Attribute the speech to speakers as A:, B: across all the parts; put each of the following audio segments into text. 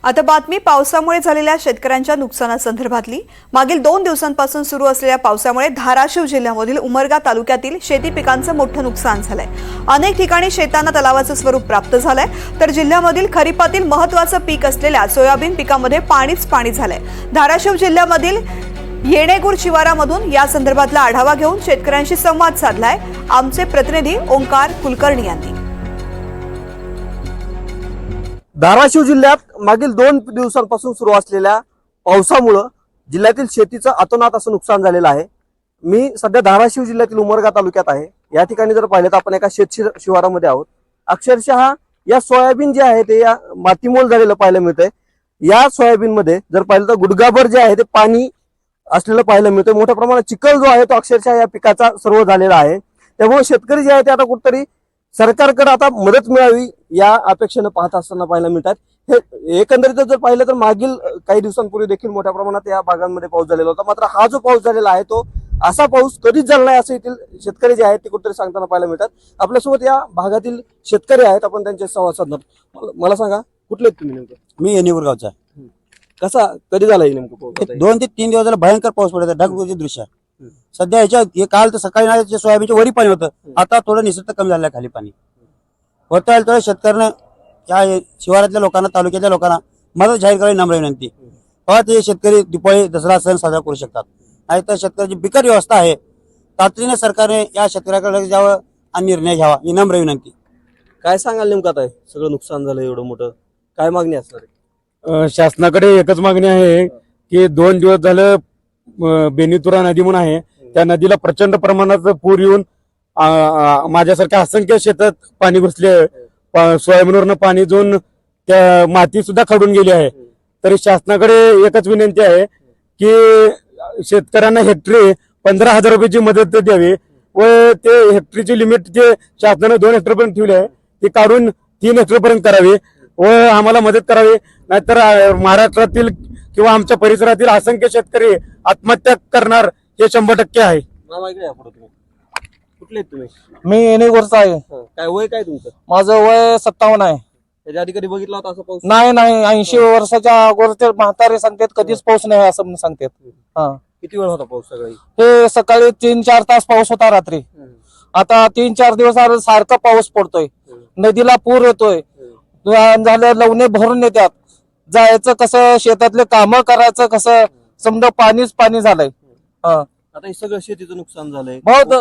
A: आता बातमी पावसामुळे झालेल्या शेतकऱ्यांच्या नुकसानासंदर्भातली। मागील 2 दिवसांपासून सुरू असलेल्या पावसामुळे धाराशिव जिल्ह्यामधील उमरगा तालुक्यातील शेती पिकांचं मोठं नुकसान झालंय। अनेक ठिकाणी शेतांना तलावाचं स्वरूप प्राप्त झालंय, तर जिल्ह्यामधील खरीपातील महत्त्वाचं पीक असलेल्या सोयाबीन पिकामध्ये पाणीच पाणी झालंय। धाराशिव जिल्ह्यामधील येणेगूर शिवारामधून या संदर्भातला आढावा घेऊन शेतकऱ्यांशी संवाद साधलाय आमचे प्रतिनिधी ओंकार कुलकर्णी यांनी।
B: धाराशिव जिल्ह्यात मागील 2 दिवसांपासून सुरू असलेल्या पावसामुळे जिल्ह्यातील शेतीचं अतोनात असं नुकसान झालेलं आहे। मी सध्या धाराशिव जिल्ह्यातील उमरगा तालुक्यात आहे। या ठिकाणी जर पाहिलं तर आपण एका शेत शिवारामध्ये आहोत। अक्षरशः या सोयाबीन जे आहे ते या मातीमोल झालेलं पाहायला मिळतंय। या सोयाबीन मध्ये जर पाहिलं तर गुडघाभर जे आहे ते पाणी असलेलं पाहायला मिळतंय। मोठ्या प्रमाणात चिखल जो आहे तो अक्षरशः या पिकाचा सर्व झालेला आहे। त्यामुळे शेतकरी जे आहे ते आता कुठेतरी सरकारकडे आता मदत मिळावी या अपेक्षेने पाहत असताना पाहायला मिळतात। हे एकंदरीत जर पाहिलं तर मागील काही दिवसांपूर्वी देखील मोठ्या प्रमाणात या भागांमध्ये पाऊस झालेला होता। मात्र हा जो पाऊस झालेला आहे तो असा पाऊस कधीच झाला नाही असं येथील शेतकरी जे आहेत ते कुठेतरी सांगताना पाहायला मिळतात। आपल्यासोबत या भागातील शेतकरी आहेत, आपण त्यांच्याशी संवाद साधणार। मला सांगा, कुठले आहेत तुम्ही नेमकं?
C: मी येणेगूर गावचा।
B: कसा कधी झाला नेमकं पाऊस?
C: 2 ते 3 दिवस झाला भयंकर पाऊस पडत आहे, ढगफुटीचे दृश्य। सध्या ह्याच्या हे काल तर सकाळी सोयाबीनच्या वरी पाणी होतं, आता थोडं निसर्ग कमी झालं खाली पाणी होतं। तर शेतकऱ्यांना या शिवारातल्या लोकांना, तालुक्यातल्या लोकांना मदत जाहीर करावी नम्र विनंती। तेव्हा ते शेतकरी दिवाळी दसरा सण साजरा करू शकतात। नाही तर शेतकऱ्याची बिकट व्यवस्था आहे, तातडीने सरकारने या शेतकऱ्याकडे लक्ष द्यावं आणि निर्णय घ्यावा ही नम्र विनंती।
B: काय सांगाल नेमकं? आता सगळं नुकसान झालं एवढं मोठं, काय मागणी असणार आहे?
D: शासनाकडे एकच मागणी आहे की 2 दिवस झालं बेनीतुरा नदी म्हणून आहे, त्या नदीला प्रचंड प्रमाणात पूर येऊन माझ्यासारख्या असंख्य शेतात पाणी घुसले। सोयाबीनवरनं पाणी जाऊन त्या माती सुद्धा खडून गेली आहे। तरी शासनाकडे एकच विनंती आहे की शेतकऱ्यांना हेक्टरी 15,000 रुपयाची मदत द्यावी व ते हेक्टरीची लिमिट जे शासनाने 2 हेक्टरपर्यंत ठेवली आहे ती काढून 3 हेक्टरपर्यंत करावी व आम्हाला मदत करावी। नाहीतर महाराष्ट्रातील किंवा आमच्या परिसरातील असंख्य शेतकरी आत्महत्या करणार हे 100% आहे।
B: कुठले आहेत तुम्ही?
E: मी येणेगूरचा आहे।
B: काय वय काय तुमचं?
E: माझं वय 57 आहे।
B: त्याच्या आधी कधी बघितला होता असं पाऊस?
E: नाही 80 वर्षाच्या अगोदर ते म्हातारे सांगतात कधीच पाऊस नाही असं म्हणून सांगतात।
B: किती वेळ होता पाऊस? सगळी
E: हे सकाळी 3-4 तास पाऊस होता रात्री। आता 3-4 दिवस सारखा पाऊस पडतोय, नदीला पूर येतोय, झालं लवणे भरून येतात। जायचं कसं, शेतातले कामं करायचं कसं, समजा पाणीच पाणी झालंय।
B: आता हे सगळं शेतीचं नुकसान झालंय।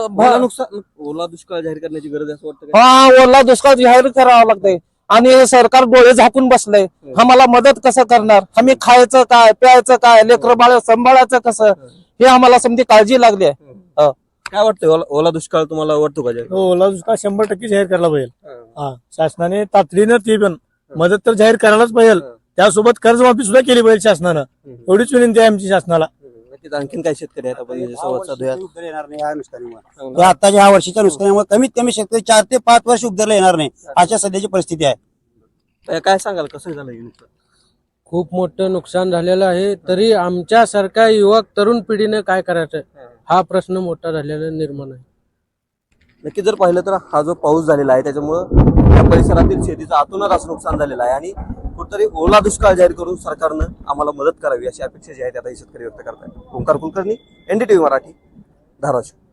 B: ओला दुष्काळ जाहीर करण्याची गरज आहे असं वाटतं का?
E: ओला दुष्काळ जाहीर करावा लागतंय आणि सरकार डोळे झाकून बसलंय। आम्हाला मदत कसं करणार? आम्ही खायचं काय, प्यायचं काय, लेकरं बाळ सांभाळायचं कसं, हे आम्हाला समजी काळजी लागली आहे।
B: काय वाटतं, ओला दुष्काळ तुम्हाला वाटतो का जाहीर?
F: ओला दुष्काळ 100% जाहीर करायला पाहिजे। शासनाने तातडीनं ती पण मदत तर जाहीर करायलाच पाहिजे, त्यासोबत कर्जमाफी सुद्धा केली पाहिजे शासनानं। एवढीच विनंती आहे आमची शासनाला।
B: आणखीन काय शेतकरी आहेत आपण संवाद साधूया?
C: येणार नाही ह्या नुकसानीमुळे, आताच्या ह्या वर्षीच्या नुकसानीमुळे कमीत कमी शेतकरी 4 ते 5 वर्ष उद्धारला येणार नाही अशा सध्याची परिस्थिती आहे।
B: काय सांगाल, कसं झालं हे नुकसान?
G: खूप मोठं नुकसान झालेलं आहे। तरी आमच्यासारख्या युवक तरुण पिढीने काय करायचं हा प्रश्न मोठा झालेला निर्माण आहे।
B: नक्की जर पाहिलं तर हा जो पाऊस झालेला आहे त्याच्यामुळं या परिसरातील शेतीचं अतोनात असं नुकसान झालेलं आहे आणि कुठेतरी ओला दुष्काळ जाहीर करून सरकारनं आम्हाला मदत करावी अशी अपेक्षा जी आहे आता शेतकरी व्यक्त करतात। ओंकार कुलकर्णी, NDTV मराठी, धाराशिव।